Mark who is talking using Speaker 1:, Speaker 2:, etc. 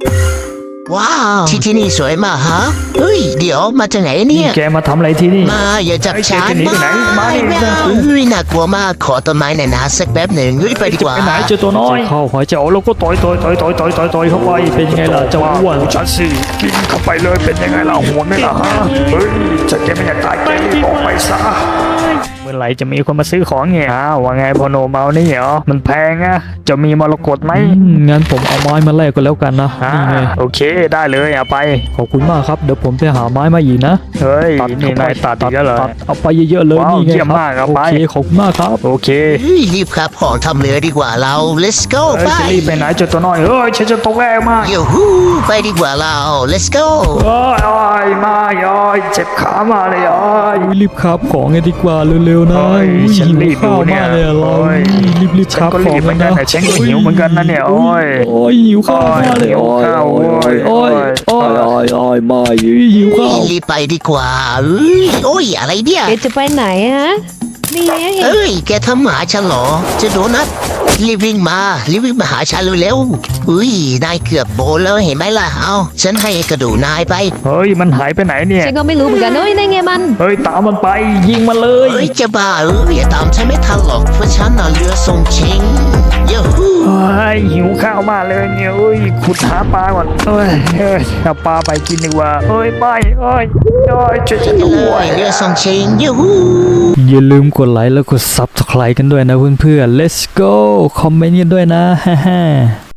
Speaker 1: ว้าวที่นี่สวยมากฮะเฮ้ยเดี๋ยวมาจากไหนเนี่ย
Speaker 2: แกมาทำอะไรที่นี่
Speaker 1: มาอย่าจับฉัน
Speaker 2: จะหนีไปไหนมาดิ
Speaker 1: ไม่เอาอุ้ยน่ากลัวมากขอต้นไม้หน่อยนะสักแป๊บหนึ่งเฮ้ยไปดีกว่า
Speaker 2: ไปไหนเจอตัวน้อยเข้าหอยเจ้าแล้วก็ต่อยเข้าไปเป็นยังไงล่ะเจ้าอ้วน
Speaker 3: ฉันสิกินเข้าไปเลยเป็นยังไงล่ะหัวไหมล่ะฮะเฮ้ยจะแกไม่อยากตายแกรีบออกไปซะ
Speaker 2: เมื่อไหร่จะมีคนมาซื้อของเนี่ยว่าไงพอโนเมานี่เหรอมันแพงอะจะมีมรกตไหม
Speaker 4: งั้นผมเอาไม้มาแลกกันแล้วกันนะนี่ไง
Speaker 2: โอเคได้เลยเอาไป
Speaker 4: ขอบคุณมากครับเดี๋ยวผมไปหาไม้มาอีกนะ
Speaker 2: เฮ้ยนี่นายตัดอีกแล้วเหรอ
Speaker 4: ตัดเอาไปเยอะๆเลย
Speaker 2: ว้าว
Speaker 4: นี่ไง
Speaker 2: เยี่ยม
Speaker 4: ครับ
Speaker 2: มากเอา
Speaker 4: โอ
Speaker 2: ไป
Speaker 4: เคขอบคุณมากครับ
Speaker 2: โอเค
Speaker 1: เฮ้ยรีบครับของทำเรือดีกว่าเรา let's go ไป
Speaker 2: จะรีบไปไหนเจอตัวน้อยเฮ้ยฉันจะตกแรงมาก
Speaker 1: ยูฮูไปดีกว่าเรา let's go
Speaker 2: โอ้ยมาโอ้ยเจ็บขามาเลยโอ้ย
Speaker 4: อุ๊ยรีบขับของกันดีกว่าเร็วๆนะ
Speaker 2: โอ้ย
Speaker 4: อุ๊ย
Speaker 2: ฉัน
Speaker 4: หิว
Speaker 2: รีบ
Speaker 4: ข้าว
Speaker 2: ดูเนี่ย
Speaker 4: มากเลยอะเรา
Speaker 2: โอ้ย
Speaker 4: รีบ
Speaker 2: ฉัน
Speaker 4: ขับ
Speaker 2: ก็
Speaker 4: ข
Speaker 2: รี
Speaker 4: อง
Speaker 2: บเหมือนกันแต่ฉันก็หิวเหมือนกันนะเนี่ยโอ้ย
Speaker 4: โอ้ยหิวข้าวมากเลย
Speaker 2: หิว
Speaker 4: โอ้ย
Speaker 2: ข้าว
Speaker 4: โอ้ย
Speaker 2: โอ้
Speaker 4: โอ้
Speaker 2: ย
Speaker 4: ยโอ้ยโอ้ยมาหิวข้าว
Speaker 1: รีบไปดีกว่าเอ้ยโอ้ยอะไรเนี่ย
Speaker 5: แกจะไปไหนฮะ นี่ไงเห็น
Speaker 1: เอ้ยแกทำหมาฉันเหรอจะโดนัทรีบวิ่งมาหาฉันเร็วๆอุ้ยนายเกือบโบนแล้วเห็นไหมล่ะเอาฉันให้กระดูกนายไป
Speaker 2: เฮ้ยมันหายไปไหนเนี่ย
Speaker 5: ฉันก็ไม่รู้เหมือนกันเอ้ยนั่นไงมัน
Speaker 2: เฮ้ยตามมันไปยิงมันเลย
Speaker 1: เอ้ยจะบ้าอย่าตามฉันไม่ทันหรอกเพราะฉันน่ะเรือทรงชิงยูฮู
Speaker 2: เฮ้ยหิวข้าวมากเลยเนี่ยเอ้ยขุดหาปลาก่อนเอ้ยเอาปลาไปกินดีกว่าเอ้ยไปเอ้ยช่วยฉัน
Speaker 1: เล
Speaker 2: ด้วย
Speaker 1: ยเรือทรงชิงยูฮู
Speaker 4: อย่าลืมกดไลค์แล้วกด Subscribe กันด้วยนะเพื่อนๆ Let's go คอมเมนต์กันด้วยนะฮ่า